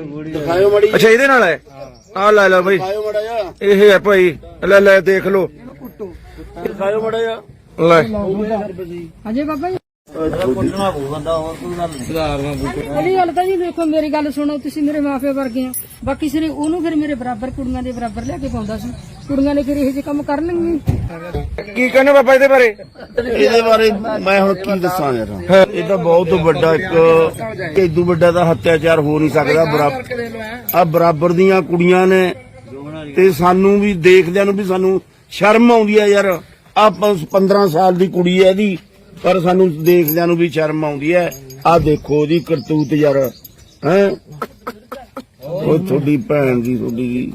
ਦਿਖਾਇਓ ਮੜੀ। ਅੱਛਾ ਇਹਦੇ ਨਾਲ ਹੈ, ਆ ਲੈ ਲੈ ਬਈ, ਦਿਖਾਇਓ ਮੜਾ ਜਾ, ਇਹ ਹੈ ਭਾਈ, ਲੈ ਲੈ ਦੇਖ ਲੋ, ਦਿਖਾਇਓ ਮੜਾ ਜਾ। ਲੈ ਹਾਂਜੀ ਬਾਬਾ ਜੀ ਪੁੱਛਣਾ ਪਊ ਬੰਦਾ, ਹੋਰ ਕੋਈ ਗੱਲ ਨਹੀਂ। ਪਹਿਲੀ ਗੱਲ ਤਾਂ ਜੀ ਦੇਖੋ ਮੇਰੀ ਗੱਲ ਸੁਣੋ, ਤੁਸੀਂ ਮੇਰੇ ਮਾਪੇ ਵਰਗੇ ਆ। ਬਾਕੀ ਸਿਰੇ ਉਹਨੂੰ ਫਿਰ ਮੇਰੇ ਬਰਾਬਰ ਕੁੜੀਆਂ ਦੇ ਬਰਾਬਰ ਲਿਆ ਕੇ ਪਾਉਂਦਾ ਸੀ। ਕੁੜੀਆਂ ਨੇ ਫਿਰ ਇਹੋ ਜਿਹੇ ਕੰਮ ਕਰਨਗੇ। ਕੀ ਕਹਿੰਦੇ ਬਾਬਾ ਇਹਦੇ ਬਾਰੇ? ਇਹਦੇ ਬਾਰੇ ਮੈਂ ਹੁਣ ਕੀ ਦੱਸਾਂ ਯਾਰ, ਇਹ ਤਾਂ ਬਹੁਤ ਵੱਡਾ ਇੱਕ ਇਦੋਂ ਵੱਡਾ ਤਾਂ ਹੱਤਿਆਚਾਰ ਹੋ ਨਹੀਂ ਸਕਦਾ। ਆ ਬਰਾਬਰ ਦੀਆਂ ਕੁੜੀਆਂ ਨੇ ਤੇ ਸਾਨੂੰ ਵੀ ਦੇਖਦਿਆਂ ਨੂੰ ਵੀ ਸਾਨੂੰ ਸ਼ਰਮ ਆਉਂਦੀ ਹੈ ਯਾਰ। ਆ 15 ਸਾਲ ਦੀ ਕੁੜੀ ਹੈ ਇਹਦੀ, ਪਰ ਸਾਨੂੰ ਦੇਖਦਿਆਂ ਨੂੰ ਵੀ ਸ਼ਰਮ ਆਉਂਦੀ ਹੈ। ਆ ਦੇਖੋ ਉਹਦੀ ਕਰਤੂਤ ਯਾਰ, ਹੈ ਉਹ ਤੁਹਾਡੀ ਭੈਣ ਦੀ, ਤੁਹਾਡੀ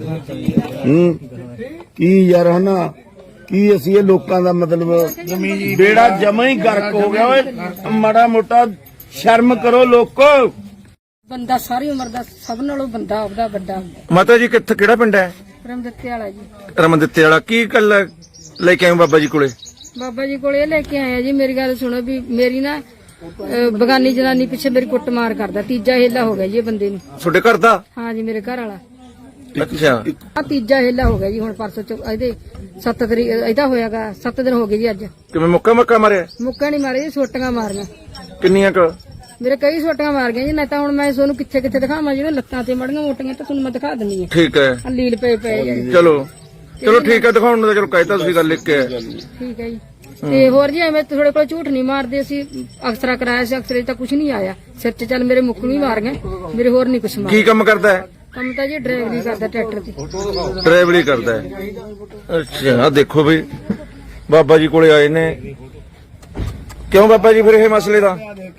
ਕੀ ਯਾਰ ਹਨਾ, ਕੀ ਅਸੀਂ ਇਹ ਲੋਕਾਂ ਦਾ ਮਤਲਬ ਬੇੜਾ ਜਮਾ ਹੀ ਗਰਕ ਹੋ ਗਿਆ। ਓਏ ਮਾੜਾ ਮੋਟਾ ਸ਼ਰਮ ਕਰੋ ਲੋਕੋ। ਬੰਦਾ ਸਾਰੀ ਉਮਰ ਦਾ ਸਭ ਨਾਲੋਂ ਬੰਦਾ ਆਪਦਾ ਵੱਡਾ ਹੁੰਦਾ। ਮਾਤਾ ਜੀ ਕਿੱਥੇ, ਕਿਹੜਾ ਪਿੰਡ ਹੈ? ਰਮ ਦਿੱਤੇ ਵਾਲਾ ਜੀ। ਰਮਨ ਦਿੱਤੇ ਵਾਲਾ। ਕੀ ਗੱਲ ਲੈ ਕੇ ਆਏ ਬਾਬਾ ਜੀ ਕੋਲੇ? ਬਾਬਾ ਜੀ ਕੋਲ ਇਹ ਲੈ ਕੇ ਆਇਆ ਜੀ, ਮੇਰੀ ਗੱਲ ਸੁਣੋ ਵੀ ਮੇਰੀ ਨਾ ਬਗਾਨੀ ਜਨਾਨੀ ਪਿੱਛੇ ਮੇਰੀ ਕੁੱਟਮਾਰ ਕਰਦਾ। ਤੀਜਾ ਹੇਲਾ ਹੋ ਗਿਆ ਜੀ ਇਹ ਬੰਦੇ ਨੂੰ। ਤੁਹਾਡੇ ਘਰ ਦਾ? ਹਾਂ ਜੀ, ਮੇਰੇ ਘਰ ਵਾਲਾ। ਅੱਛਾ, ਆ ਤੀਜਾ ਹੇਲਾ ਹੋ ਗਿਆ ਜੀ। ਹੁਣ ਪਰਸੋਂ ਚ ਇਹਦੇ 7 ਤਰੀਕ ਇਹਦਾ ਹੋਇਆਗਾ, 7 ਦਿਨ ਹੋ ਗਏ ਜੀ ਅੱਜ। ਕਿਵੇਂ ਮੁੱਕਾ ਮਾਰਿਆ? ਮੁੱਕਾ ਨਹੀਂ ਮਾਰੇ ਜੀ, ਸੋਟੀਆਂ ਮਾਰੀਆਂ। ਕਿੰਨੀਆਂ ਕੁ? ਮੇਰੇ ਕਈ ਸੋਟੀਆਂ ਮਾਰ ਗਈਆਂ ਜੀ। ਨਾ ਤਾਂ ਹੁਣ ਮੈਂ ਤੁਹਾਨੂੰ ਕਿੱਥੇ ਕਿੱਥੇ ਦਿਖਾਵਾਂ, ਜਿਹੜੇ ਲੱਤਾਂ ਤੇ ਮੜੀਆਂ ਮੋਟੀਆਂ ਤਾਂ ਤੁਹਾਨੂੰ ਮੈਂ ਦਿਖਾ ਦਿੰਨੀ ਆ। ਠੀਕ ਹੈ, ਆ ਲੀਲ ਪਏ ਜੀ। ਚਲੋ ਠੀਕ ਹੈ, ਦਿਖਾਉਣ ਨੂੰ ਤਾਂ ਚਲੋ ਕਹਿਤਾ ਤੁਸੀਂ, ਗੱਲ ਲਿਖ ਕੇ ਆਏ। ਠੀਕ ਹੈ ਜੀ। ਤੇ ਹੋਰ ਜੀ ਐਵੇਂ ਤੁਹਾਡੇ ਕੋਲ ਝੂਠ ਨਹੀਂ ਮਾਰਦੇ। ਅਸੀਂ ਅਕਸਰਾ ਕਰਾਇਆ ਸੀ, ਅਕਸਰੇ ਤਾਂ ਕੁਝ ਨਹੀਂ ਆਇਆ ਸਿਰ 'ਚ। ਚੱਲ ਮੇਰੇ ਮੁੱਕ ਵੀ ਮਾਰ ਗਏ, ਮੇਰੇ ਹੋਰ ਨਹੀਂ ਕੁਛ ਮਾਰ। ਕੀ ਕੰਮ ਕਰਦਾ ਹੈ? ਕੰਮ ਤਾਂ ਜੀ ਡਰਾਈਵਰੀ ਕਰਦਾ ਟਰੈਕਟਰ ਤੇ। ਡਰਾਈਵਰੀ ਕਰਦਾ ਹੈ। ਅੱਛਾ, ਆ ਦੇਖੋ ਬਈ ਬਾਬਾ ਜੀ ਕੋਲੇ ਆਏ ਨੇ। ਕਿਉਂ ਬਾਬਾ ਜੀ ਫਿਰ ਇਹ ਮਸਲੇ ਦਾ?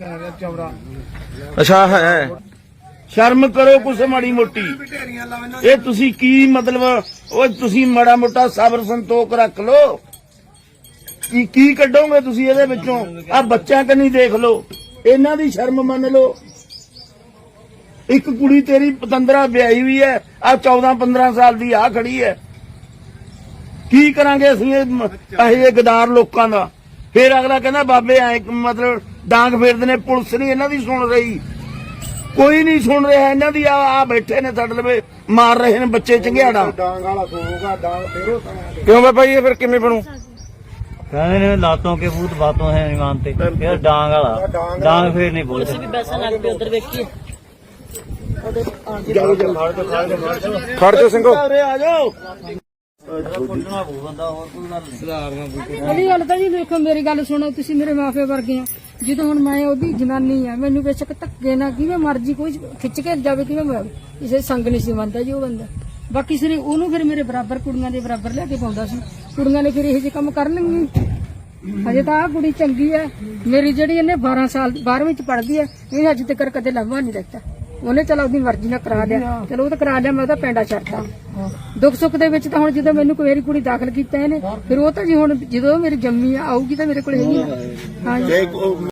ਅੱਛਾ ਹੈ, ਸ਼ਰਮ ਕਰੋ ਕੁਛ ਮਾੜੀ ਮੋਟੀ। ਇਹ ਤੁਸੀਂ ਕੀ ਮਤਲਬ, ਉਹ ਤੁਸੀਂ ਮਾੜਾ ਮੋਟਾ ਸਬਰ ਸੰਤੋਖ ਰੱਖ ਲੋ। ਕੀ ਕੱਢੋਗੇ ਤੁਸੀਂ ਇਹਦੇ ਵਿੱਚੋਂ? ਆ ਬੱਚਿਆਂ ਕੰਨੀ ਦੇਖ ਲੋ, ਇਹਨਾਂ ਦੀ ਸ਼ਰਮ ਮੰਨ ਲੋ। ਇੱਕ ਕੁੜੀ ਤੇਰੀ ਪਤੰਦਰਾ ਵਿਆਹੀ ਹੋਈ ਹੈ, ਆ 14-15 ਸਾਲ ਦੀ ਆ ਖੜੀ ਹੈ। ਕੀ ਕਰਾਂਗੇ ਅਸੀਂ ਇਹ ਗਦਾਰ ਲੋਕਾਂ ਦਾ? ਫਿਰ ਅਗਲਾ ਕਹਿੰਦਾ ਬਾਬੇ ਐ ਮਤਲਬ ਡਾਂਗ ਫੇਰਦੇ ਨੇ। ਪੁਲਿਸ ਨਹੀਂ ਇਹਨਾਂ ਦੀ ਸੁਣ ਰਹੀ, ਕੋਈ ਨਹੀਂ ਸੁਣ ਰਿਹਾ ਇਹਨਾਂ ਦੀ। ਆ ਬੈਠੇ ਨੇ ਸਾਡੇ ਲਵੇ, ਮਾਰ ਰਹੇ ਨੇ ਬੱਚੇ ਚੰਗਿਆੜਾ। ਕਿਉਂ ਬਾਬਾ ਜੀ ਫਿਰ ਕਿਵੇਂ ਬਣੂ? कहने ने लातों के भूत बातों हैं नहीं मानते, फिर डांग वाला डांग फिर नहीं बोलते। ਖੜ ਜਾ ਸਿੰਘੋ। ਆ ਜਾਓ। ਪੁੱਛਣਾ ਪਊ ਬੰਦਾ, ਹੋਰ ਕੋਈ ਗੱਲ ਨਹੀਂ। ਪਹਿਲੀ ਗੱਲ ਤਾਂ ਜੀ ਦੇਖੋ ਮੇਰੀ ਗੱਲ ਸੁਣੋ, ਤੁਸੀਂ ਮੇਰੇ ਮਾਪੇ ਵਰਗੇ ਆ। ਜਦੋਂ ਹੁਣ ਮੈਂ ਉਹਦੀ ਜਨਾਨੀ ਆ, ਮੈਨੂੰ ਬੇਸ਼ੱਕ ਧੱਕੇ ਨਾ ਕਿਵੇਂ ਮਰਜੀ ਕੋਈ ਖਿੱਚ ਕੇ ਜਾਵੇ, ਕਿਵੇਂ ਮੈਂ ਕਿਸੇ ਸੰਗ ਨਹੀਂ ਸੀ ਮੰਨਦਾ ਜੀ ਉਹ ਬੰਦਾ। ਬਾਕੀ ਸਿਰੇ ਉਹਨੂੰ ਫਿਰ ਮੇਰੇ ਬਰਾਬਰ ਕੁੜੀਆਂ ਦੇ ਬਰਾਬਰ ਲਿਆ ਕੇ ਪਾਉਂਦਾ ਸੀ। ਕੁੜੀਆਂ ਨੇ ਫਿਰ ਇਹੋ ਜਿਹੇ ਕੰਮ ਕਰਨਗੇ। ਹਜੇ ਤਾਂ ਆਹ ਕੁੜੀ ਚੰਗੀ ਹੈ ਮੇਰੀ, ਜਿਹੜੀ ਇਹਨੇ 12 ਸਾਲ 12ਵੀਂ ਚ ਪੜ੍ਹਦੀ ਹੈ। ਇਹ ਅੱਜ ਤੱਕ ਕਦੇ ਲੰਮਾ ਨਹੀਂ ਦਿੱਤਾ ਉਹਨੇ। ਚਲ ਆਪਣੀ ਮਰਜ਼ੀ ਨਾਲ ਕਰਾ ਲਿਆ, ਚਲੋ ਉਹ ਤਾਂ ਕਰਾ ਲਿਆ, ਮੈਂ ਉਹਦਾ ਪੈਂਡਾ ਛੱਡਤਾ। ਦੁੱਖ ਸੁੱਖ ਦੇ ਵਿੱਚ ਤਾਂ ਹੁਣ ਜਦੋਂ ਮੈਨੂੰ ਕੋਈ ਕੁੜੀ ਦਾਖਲ ਕੀਤਾ ਇਹਨੇ, ਫਿਰ ਉਹ ਤਾਂ ਜੀ ਹੁਣ ਜਦੋਂ ਮੇਰੀ ਜੰਮੀ ਆਊਗੀ ਤਾਂ ਮੇਰੇ ਕੋਲ ਹੈਗੀ ਨਾ। ਹਾਂ ਜੀ।